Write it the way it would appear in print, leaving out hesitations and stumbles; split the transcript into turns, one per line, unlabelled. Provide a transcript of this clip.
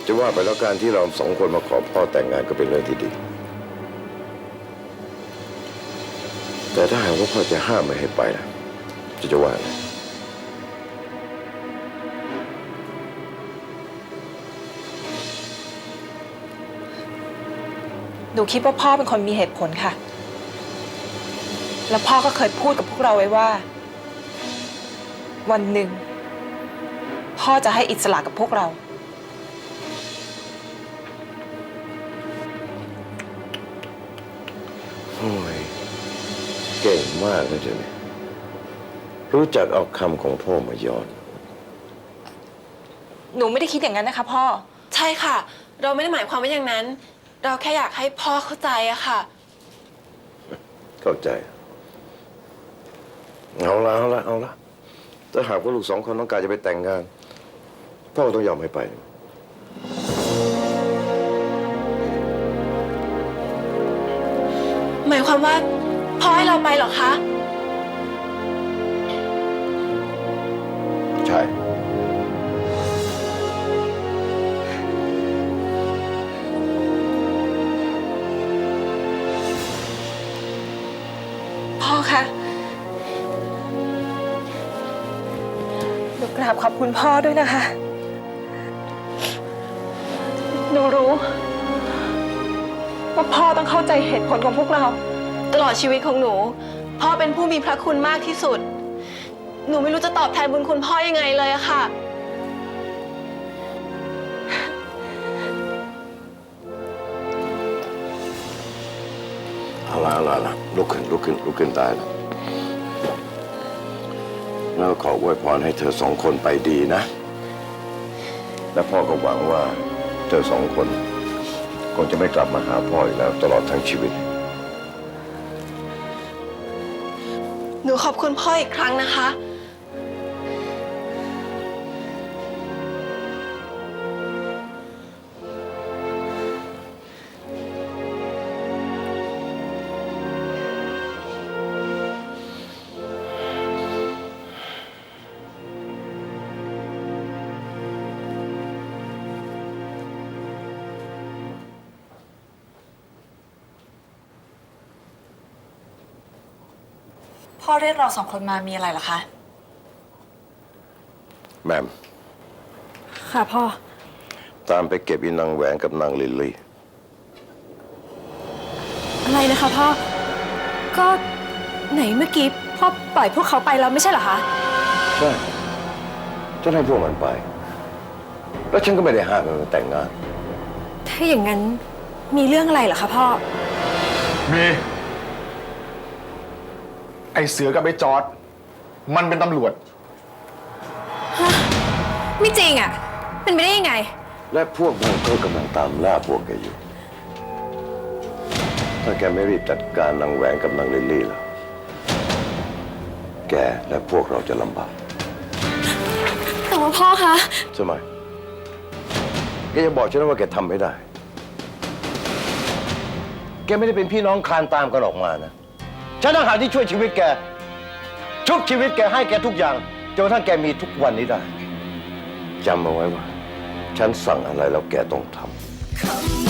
จะว่าไปแล้วการที่เราสองคนมาขอพ่อแต่งงานก็เป็นเรื่องที่ดีแต่ถ้าหากว่าพ่อจะห้ามไม่ให้ไปล่ะจะว่าไง
หนูคิดว่าพ่อเป็นคนมีเหตุผลค่ะ แล้วพ่อก็เคยพูดกับพวกเราไว้ว่า วันหนึ่งพ่อจะให้อิสระกับพวกเรา
โอ้ยเก่งมากนะเจ้าเนี่ยรู้จักเอาคำของพ่อมาย้อน
หนูไม่ได้คิดอย่างนั้นนะคะพ่อ
ใช่ค่ะเราไม่ได้หมายความว่าอย่างนั้นเราแค่อยากให้พ่อเข้าใจอะค่ะ
เข้าใจเอาละถ้าหากว่าลูกสองคนต้องการจะไปแต่งงานพ่อต้องยอมให้ไป
หมายความว่าพ่อให้เราไปเหรอคะ
ใช่
พ่อคะหนูกราบขอบคุณพ่อด้วยนะคะหนูรู้ว่าพ่อต้องเข้าใจเหตุผลของพวกเรา
ตลอดชีวิตของหนูพ่อเป็นผู้มีพระคุณมากที่สุดหนูไม่รู้จะตอบแทนบุญคุณพ่อยังไงเลยอะค่ะ
เอาละลุกขึ้นได้แล้วขออวยพรให้เธอสองคนไปดีนะและพ่อก็หวังว่าเธอสองคนคงจะไม่กลับมาหาพ่ออีกแล้วตลอดทั้งชีวิต
หนูขอบคุณพ่ออีกครั้งนะคะ
พ่อเรียกเราสองคนมามีอะไรเหรอคะ
แม่ม
ค่ะพ่อ
ตามไปเก็บอีนางแหวนกับนางลิลลี่
อะไรนะคะพ่อก็ไหนเมื่อกี้พ่อปล่อยพวกเขาไปแล้วไม่ใช่เหรอคะ
ใช่ฉันให้พวกมันไปแล้วฉันก็ไม่ได้ห้ามมันแต่งงาน
ถ้าอย่างนั้นมีเรื่องอะไรเหรอคะพ่อ
มีไอ้เสือกับไอ้จอร์ดมันเป็นตำรวจ
ไม่จริงอ่ะเป็นไปได้ยังไง
และพวกมันก็กำลังตามล่าพวกแกอยู่ถ้าแกไม่รีบจัดการนางแหวนกับนางลิลลี่ล่ะแกและพวกเราจะลำบาก
แต่ว่าพ่อคะ
ทำไมแกจะบอกฉันว่าแกทำไม่ได้แกไม่ได้เป็นพี่น้องคลานตามกันออกมานะฉันต่างหากที่ช่วยชีวิตแกชุบชีวิตแกให้แกทุกอย่างจนกระทั่งแกมีทุกวันนี้ได้จำเอาไว้ว่าฉันสั่งอะไรแล้วแกต้องทำ